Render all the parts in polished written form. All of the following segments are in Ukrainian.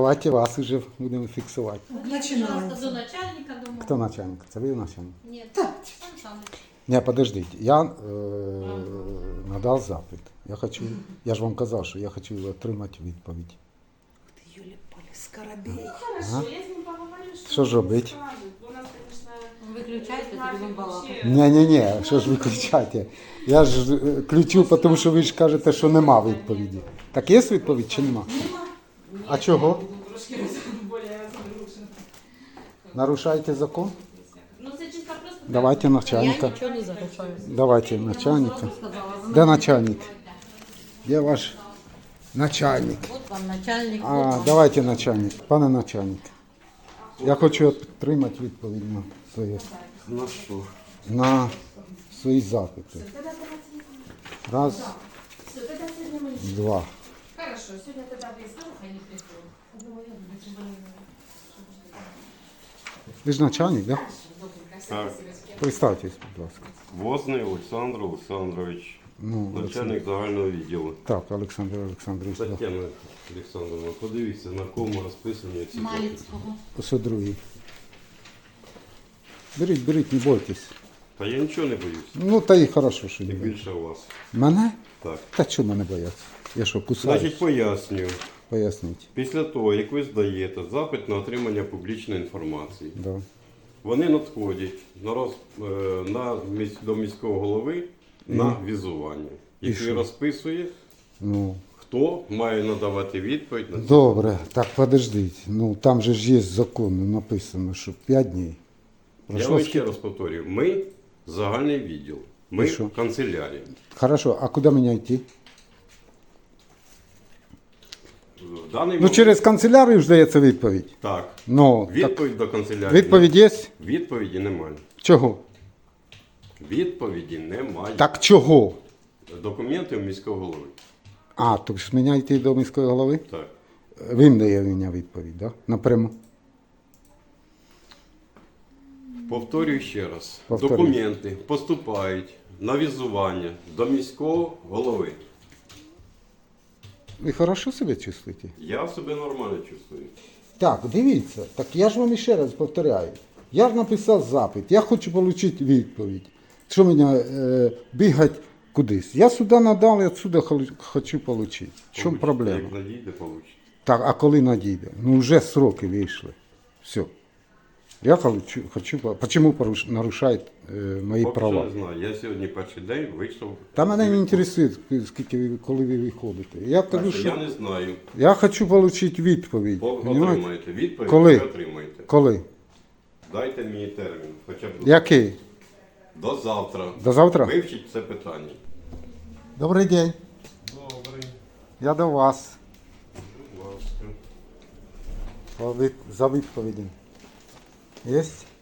давайте вас уже будемо фіксувати. Пожалуйста, до начальника дома. Хто начальник? Це ви начальник? Нет, Сан Саныч. Ні, подождіть, я надав запит. Я ж вам казав, що я хочу отримати відповідь. Ты, Юля-Поля, скоробей. Хорошо, я с ним поговорю, Що ж робити? скажет. У нас, конечно, Выключайте, это будем балакать. Ні, що ж ви кричите? Я ж ключу, тому що ви ж кажете, що нема відповіді. Так є відповідь чи нема? А чого? трошки более загружен. Нарушаєте закон? Ну, це чисто просто... Давайте начальника. Я ничего не нарушаю. Давайте начальника. Сразу сказала, вы Де начальник? Де ваш начальник? Вот вам начальник. вот А, вам. давайте начальник. Пане начальник. Я хочу отримати відповідь на своє. На що? На свої запити. Раз, Все, тогда сегодня мы... два. Хорошо, сегодня тогда вы скажете, они приходят. Ви ж начальник, так? Так. Представтесь, будь ласка. Возний Олександр Олександрович, Ну, начальник загального відділу. Так, Олександр Олександрович. Да. Тетяна Олександровна, подивіться, на кому розписані ці запити. Малицкого. Ось другий. Беріть, не бойтесь. Та я нічого не боюсь. Ну, та і хорошо, що не Тим боїтесь. більше вас. Мене? Так. Та чого мене бояться? Я що, кусаю? Значить, пояснюю. Поясніть. Після того, як ви здаєте запит на отримання публічної інформації, Да. вони надходять до міського голови на візування, який що? розписує, Ну, хто має надавати відповідь на це. добре, так подождіть. Ну, там же ж є закон, написано, що 5 днів. Я Пройшло вам скільки? ще раз повторюю, ми загальний відділ, ми І що? канцелярія. Хорошо, а куди мені йти? В даний Ну, момент через канцелярію ж дається відповідь. так, Ну, так, відповідь до канцелярії. відповідь є? Відповіді немає. Чого? Відповіді немає. Так чого? Документи у міського голови. А, то ж мені йти до міської голови? Так. Він дає мені відповідь, да? Напряму. Повторюю ще раз. Повторюй. Документи поступають на візування до міського голови. Ви хорошо себе чувствуєте? Я себе нормально чувствую. Так, дивіться, так я ж вам ще раз повторяю. Я ж написав запит, я хочу отримати відповідь. Що мені бігати кудись? Я сюди надав, я сюди хочу отримати. В чому проблема? Як надійде, получите. Так, а коли надійде? Ну вже сроки вийшли. Все. Я хочу, почему нарушають мої Поки права? що не знаю. Я сьогодні перший день вийшов. Та мене не інтересує, скільки коли ви виходите. Я кажу, Я що не знаю. я хочу отримати відповідь. Ви Понімаєте? отримаєте відповідь, Коли? ви отримаєте. Коли? Дайте мені термін, хоча б Який? до завтра. До завтра? Вивчіть це питання. Добрий день. Добре. Я до вас. Будь ласка. За відповіді. Є?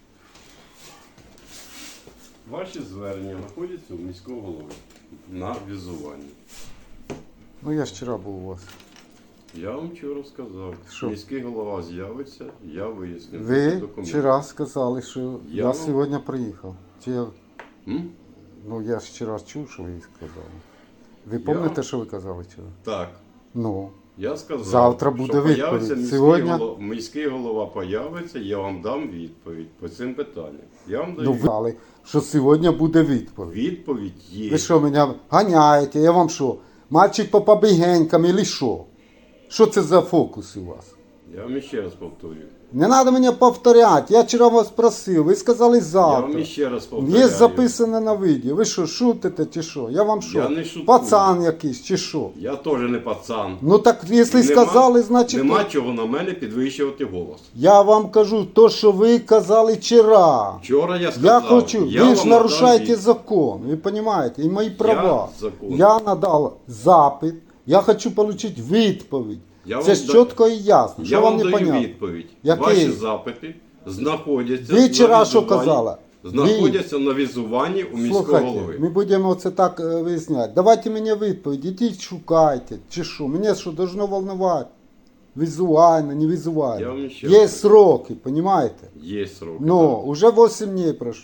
Ваші звернення знаходяться у міського голови на візуванні. Ну я ж вчора був у вас. Я вам вчора сказав, Що? міський голова з'явиться, я виясню. Ви документи. вчора сказали, що я вам- сьогодні приїхав. Чи я... М? Ну я ж вчора чув, що ви сказали. Ви пам'ятаєте, що ви казали вчора? Так. Ну. Я сказав, Завтра буде що відповідь. появиться міський, Сьогодні- міський голова появиться, я вам дам відповідь по цим питанням. Я вам даю Ну ви сказали, що сьогодні буде відповідь. відповідь є. Ви що, мене ганяєте? Я вам що? Мальчик по побігенькам или що? Що це за фокус у вас? Я вам ще раз повторюю. Не треба мені повторяти. Я вчора вас просив, ви сказали Я завтра. вам ще раз повторюю. Є записано на відео. Ви що, шутите чи що? Я вам що? Я не шуткую. Пацан якийсь чи що? Я теж не пацан. Ну так, якщо І сказали, значить... Нема чого на мене підвищувати голос. Я вам кажу то, що ви казали вчора. Вчора я сказав, Я хочу, я ви ж вам нарушаєте надам закон, ви розумієте, і мої права. закон. Я надав запит, я хочу отримати відповідь. Я Це вам ж да- чітко і ясно. Я Що вам вам не даю понятно? відповідь. Який? Ваші запити знаходяться Ви вчора на що візуванні- казали? Знаходяться на візуванні у міського Слухайте, голови. ми будемо це так виясняти. Давайте мені відповідь, ідіть шукайте, чи що. Мене що, должно волновати? Візуально, не Я візуально. вам ще Є раз- сроки, розумієте? Є срок. Ну, уже 8 днів пройшло.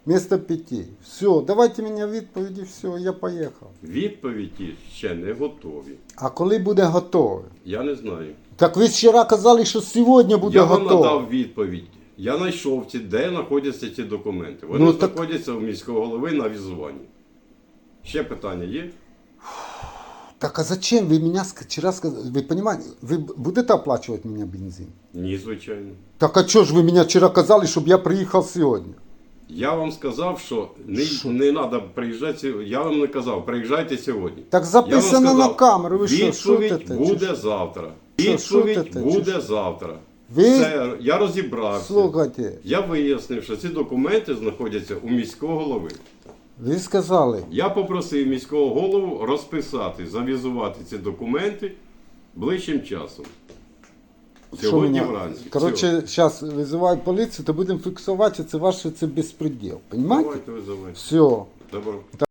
вместо 5. Все, давайте мені відповіді, все, я поїхав. Відповіді ще не готові. А коли буде готове? Я не знаю. Так ви вчора казали, що сьогодні буде Я вам готове. надав відповідь. Я знайшов де знаходяться ці документи. Вони Ну, так- знаходяться у міського голови на візуванні. Ще питання є? Так а зачем вы меня вчера сказали? Вы понимаете, вы будете оплачивать меня бензин? Ні, звичайно. Так а что ж вы меня вчера казали, чтобы я приехал сегодня? Я вам сказав, що не треба приїжджати. Я вам не казав, приїжджайте сьогодні. Так Я вам записано на сказав, камеру, ви що, відповідь шутите? буде Чи завтра. Що, Відповідь шутите, чи буде що? завтра. Ви- Все, я розібрався. Слухайте, Я вияснив, що ці документи знаходяться у міського голови. ви сказали, Я попросив міського голову розписати, завізувати ці документи ближчим часом. що Сьогодні мене... вранці. Короче, зараз визивають поліцію, то будемо фіксувати, це ваше це безпреділ. Все. Понимаете? Давайте визивайте. Все. Добро.